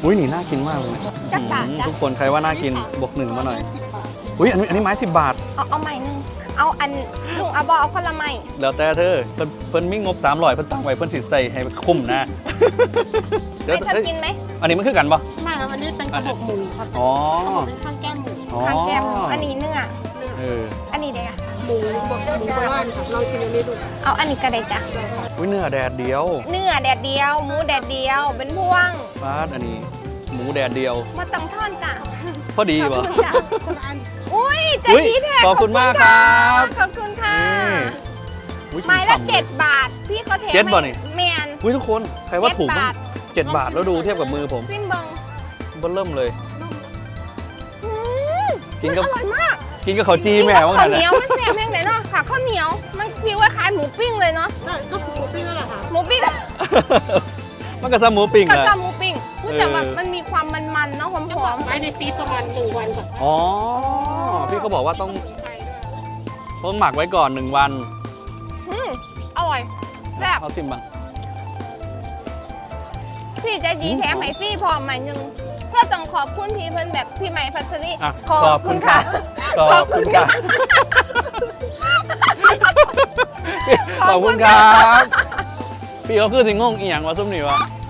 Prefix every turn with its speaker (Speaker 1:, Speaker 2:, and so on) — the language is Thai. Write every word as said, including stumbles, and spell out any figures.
Speaker 1: อุ้ยนี่น่ากินมากเลยนะ
Speaker 2: จักบาท
Speaker 1: อืม
Speaker 2: จ้ะ
Speaker 1: ทุกคนใครว่าน่ากินบวกหนึ่งมาหน่อยอุ้ยอันนี้อันนี้ไม้สิบบาท
Speaker 2: เอาเอาใหม่หนึงเอาอันลุงเอาบอเอาคนละใหม่
Speaker 1: แล้วแต่เธอเพิ่นเพิ่นมีงบสามร้อยเพิ่นตั้งไว้เพิ่นสิใส่ให้คุ้มนะ เดี๋ยว
Speaker 2: ไม่เธอ
Speaker 1: เฮ้ย
Speaker 2: กินไหม
Speaker 1: อันนี้มันคือกันปะ
Speaker 3: ไม่ครับอันนี้เป็นกระบอกหมูครับ
Speaker 1: อ๋อ
Speaker 3: เป็นข้างแก้มหมู
Speaker 1: อ๋อ
Speaker 2: ทานแกมอันนี้เนื้อ
Speaker 1: เออ
Speaker 2: อันนี้เด็กอะ
Speaker 3: หมูบอกหมูโบราณครับลองชิมอันนี้ดู
Speaker 2: เอาอันนี้ก็ได้จ้ะ
Speaker 1: อุ้ยเนื้อแดดเดียว
Speaker 2: เนื้อแดดเดียวหมูแดดเดียวเป็นพวง
Speaker 1: ฟาดอันนี้หมูแดดเดียว
Speaker 2: มาต้องทอนจ้ะ
Speaker 1: พอดีปะ
Speaker 2: จ้ะ
Speaker 3: คนละอัน
Speaker 2: อุ้ยใจ
Speaker 1: อุ๊ย
Speaker 2: ดีแท้
Speaker 1: ขอบคุณมากครับ
Speaker 2: ขอบคุณค่ะ
Speaker 1: นี่อุ๊ย
Speaker 2: ไม้ละ
Speaker 1: ฉ่ำๆ
Speaker 2: เจ็ดบาท พี่ก็เท
Speaker 1: เจ็ดบาทนี่
Speaker 2: แมน
Speaker 1: อุ้ยทุกคนใครว่าถูก
Speaker 2: เจ็ด
Speaker 1: มั้
Speaker 2: บาง ท
Speaker 1: เจ็ดบาทแล้วดูเทียบกับมือผม
Speaker 2: ซิมเบิง
Speaker 1: เบิ่มเริ่มเลย
Speaker 2: อืม
Speaker 1: กินกับ
Speaker 2: อร่อยมาก
Speaker 1: กินกับข้าวจีแม่ว่า
Speaker 2: ข้า
Speaker 1: ไง
Speaker 2: วเหนี
Speaker 1: นะ
Speaker 2: ยวมันแซ่บแห้งไหนเนาะค่ะข้าวเหนียวมันฟีลว่าคล้ายหมูปิ้งเลยเนาะ
Speaker 3: ใช่ก็หมูปิ้งนั่นแหละค่ะ
Speaker 2: หมูปิ้ง
Speaker 1: มันก็ซะหมูปิ้ง
Speaker 2: กับ
Speaker 1: อะ
Speaker 2: จาหมูปิ้งพูดแต่แบบ
Speaker 1: เออ
Speaker 2: มันมีความมันๆเนาะหอ
Speaker 3: จะบอ
Speaker 2: ม
Speaker 3: กไว้ในฟรีซประมาณหนึ่งวันก่อน
Speaker 1: อ๋อพี่ก็บอกว่าต้อง
Speaker 3: สมุนไพรด้วย
Speaker 1: ต้องหมักไว้ก่อนหนึ่งวัน
Speaker 2: ๆอืมอร่อยแซ่บ
Speaker 1: เอาชิมบ้าง
Speaker 2: พี่ใจดี
Speaker 1: อืม
Speaker 2: แถมให้พี่พร้อมใหม่หนึ่งเพื่อต้องขอบคุณพี่เพิ่นแบบพี่ใหม่พัชรี
Speaker 1: อ่ะ
Speaker 2: ขอบคุณค่ะ
Speaker 1: ขอบคุณค่ะขอบคุณครับพี่เขาคือสิงงงอีหยังวะซุ่มนี่วะ